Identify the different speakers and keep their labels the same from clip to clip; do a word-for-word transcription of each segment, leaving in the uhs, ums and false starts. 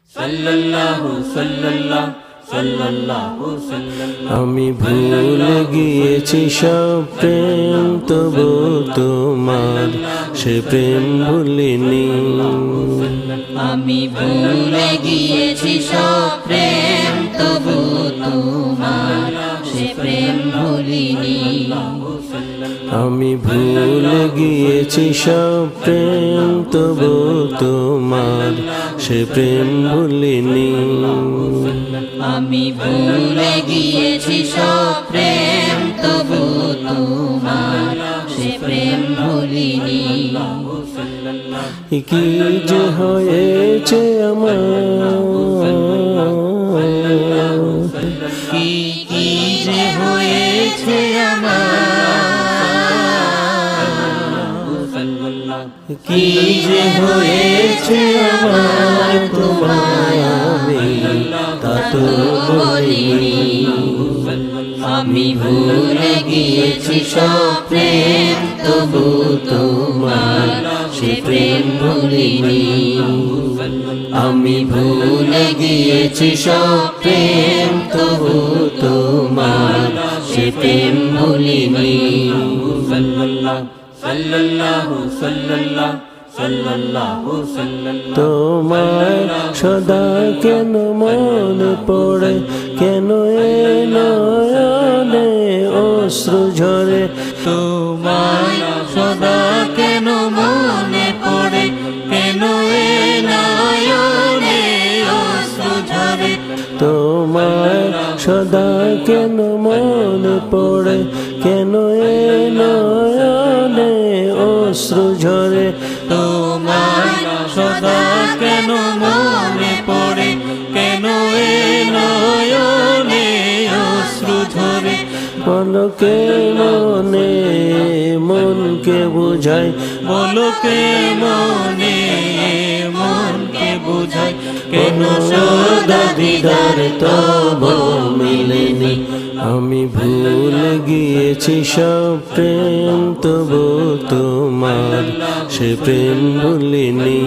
Speaker 1: সাল্লাল্লাহু সাল্লাল্লাহু সাল্লাল্লাহু সাল্লাল্লাহু।
Speaker 2: আমি ভুলে গিয়েছি সব প্রেম, তবু তোমার সে প্রেম ভুলিনি।
Speaker 3: আমি ভুলে গিয়েছি সব প্রেম, তবু তোমার সে প্রেম ভুলিনি।
Speaker 2: আমি ভুলে গিয়েছি সব প্রেম, তবু তোমার সে প্রেম ভুলিনি।
Speaker 3: আমি ভুলে গিয়েছি সব প্রেম, তবু তোমার সে প্রেম ভুলিনি।
Speaker 2: কি যে হয়েছে আমার,
Speaker 3: কি কি যে হয়েছে আমার,
Speaker 2: কি যে হয়েছে আমার, তোমায় আমি তা তো বলিনি।
Speaker 3: আমি ভুলে গিয়েছি সব প্রেম, তবু তোমার সে প্রেম ভুলিনি।
Speaker 2: আমি ভুলে গিয়েছি সব প্রেম, তবু তোমার সে প্রেম ভুলিনি।
Speaker 1: সাল্লাল্লাহু সাল্লাল্লাহু সাল্লাল্লাহু সাল্লাল্লাহু।
Speaker 2: তোমার সদা কেন মনে পড়ে, কেন এ নয়নে অশ্রু ঝরে।
Speaker 3: তোমায় সদা কেন মনে পড়ে, কেন এ নয়নে অশ্রু ঝরে।
Speaker 2: তোমার সদা কেন মনে পড়ে, কেন এ নয়নে অশ্রু ঝরে।
Speaker 3: তোমায় সদা কেন মনে পড়ে, কেন এ নয়নে অশ্রু ঝরে।
Speaker 2: বলো কে মনে মনকে বুঝাই,
Speaker 3: বলো কে মনে মনকে বুঝাই, কেন সদা দিদার তবু
Speaker 2: মিলেনি। আমি ভুলে গিয়েছি সব প্রেম, তবু তোমার সে প্রেম ভুলিনি।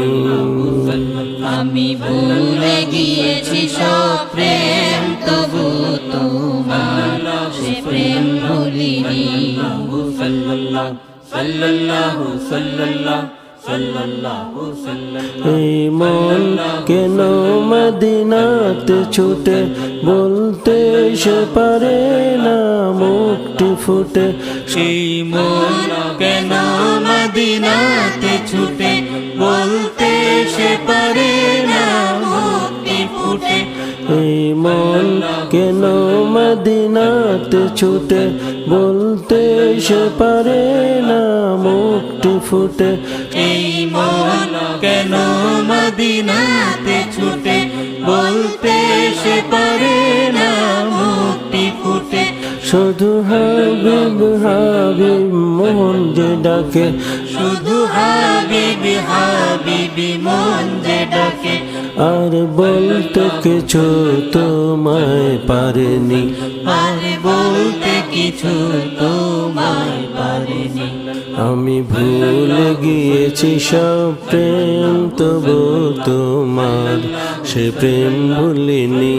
Speaker 3: আমি ভুলে গিয়েছি সব প্রেম, তবু তোমার সে প্রেম ভুলিনি।
Speaker 1: সাল্লাল্লাহু সাল্লাল্লাহু সাল্লাল্লাহু সাল্লাল্লাহু সাল্লাল্লাহু।
Speaker 2: এই মন কেন মদিনাতে ছুটে, বলতে সে পারে না মুখটি ফুটে।
Speaker 3: সেই মন কেন মদিনাতে ছুটে, বলতে সে পারে না মুক্তি ফুটে।
Speaker 2: এই মন কেন মদিনাতে ছুটে, বলতে সে পারে না মুখটি ফুটে।
Speaker 3: এই মন কেন মদিনাতে ছুটে, বলতে সে পারে না মুক্তি ফুটে।
Speaker 2: শুধু হাবিব হাবিব মন যে ডাকে,
Speaker 3: শুধু হাবিবি হাবিবি মন যে ডাকে।
Speaker 2: আর বলতে কিছু তোমায় পারেনি।
Speaker 3: আর বলতে কিছু তোমায় পারেনি।
Speaker 2: আমি ভুলে গিয়েছি সব প্রেম, তবু তোমার সে প্রেম ভুলিনি।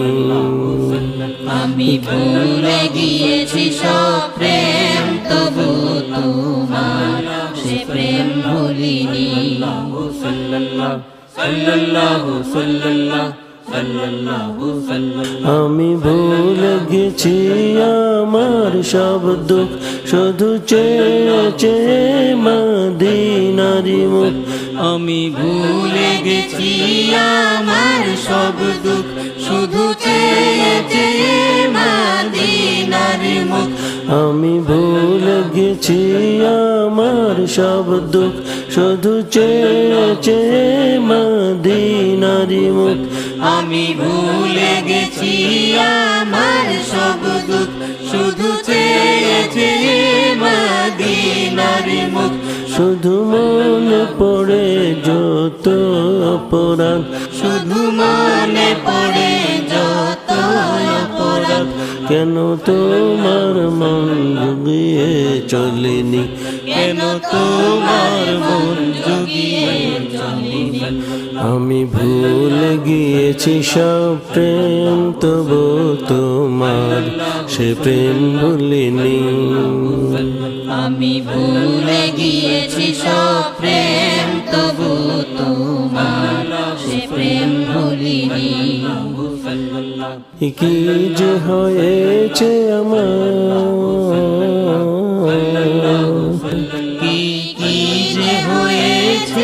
Speaker 3: আমি ভুলে গিয়েছি সব প্রেম, তবু তোমার সে প্রেম ভুলিনি।
Speaker 1: সাল্লাল্লাহু সাল্লাল্লাহু সাল্লাল্লাহু সাল্লাল্লাহু সাল্লাল্লাহু।
Speaker 2: আমি ভুলে গেছি আমার সব দুঃখ, শুধু চেয়ে চেয়ে মদিনারি মুখ।
Speaker 3: আমি ভুলে গেছি আমার সব দুঃখ, শুধু চেয়ে চেয়ে মদিনার মুখ।
Speaker 2: আমি ভুলে গেছি আমার সব দুঃখ, শুধু চেয়ে চেয়ে মদিনারি মুখ।
Speaker 3: আমি ভুলে গেছি আমার সব দুঃখ, শুধু চেয়ে চেয়ে মদিনার মুখ।
Speaker 2: শুধু মনে পড়ে যত অপরাধ,
Speaker 3: শুধু মনে পড়ে যত অপরাধ।
Speaker 2: রাত কেন তোমার মন জুগিয়ে চলেনি
Speaker 3: কেন তোমার মন জুগিয়ে চলেনি
Speaker 2: আমি ভুলে গিয়েছি সব প্রেম তবু তোমার সে প্রেম ভুলিনি
Speaker 3: আমি ভুলে গিয়েছি সব প্রেম তবু তোমার সে প্রেম ভুলিনি
Speaker 2: কি যে হয়েছে আমার
Speaker 3: কি কি যে হয়েছে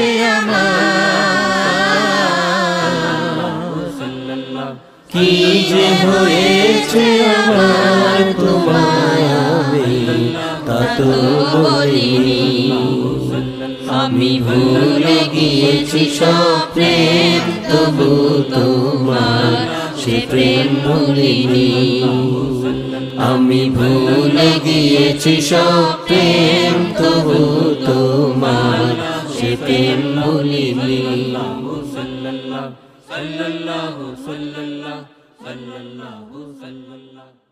Speaker 3: আমার
Speaker 2: কি যে হয়েছে আমার তোমায় আমি তা তো বলিনি
Speaker 3: আমি ভুলে গিয়েছি সব প্রেম তবু তোমার সে প্রেম ভুলিনি
Speaker 2: আমি ভুলে গিয়েছি সব প্রেম তবু তোমার সে প্রেম ভুলিনি
Speaker 1: sallallahu sallallahu sallallahu sallallahu sallallahu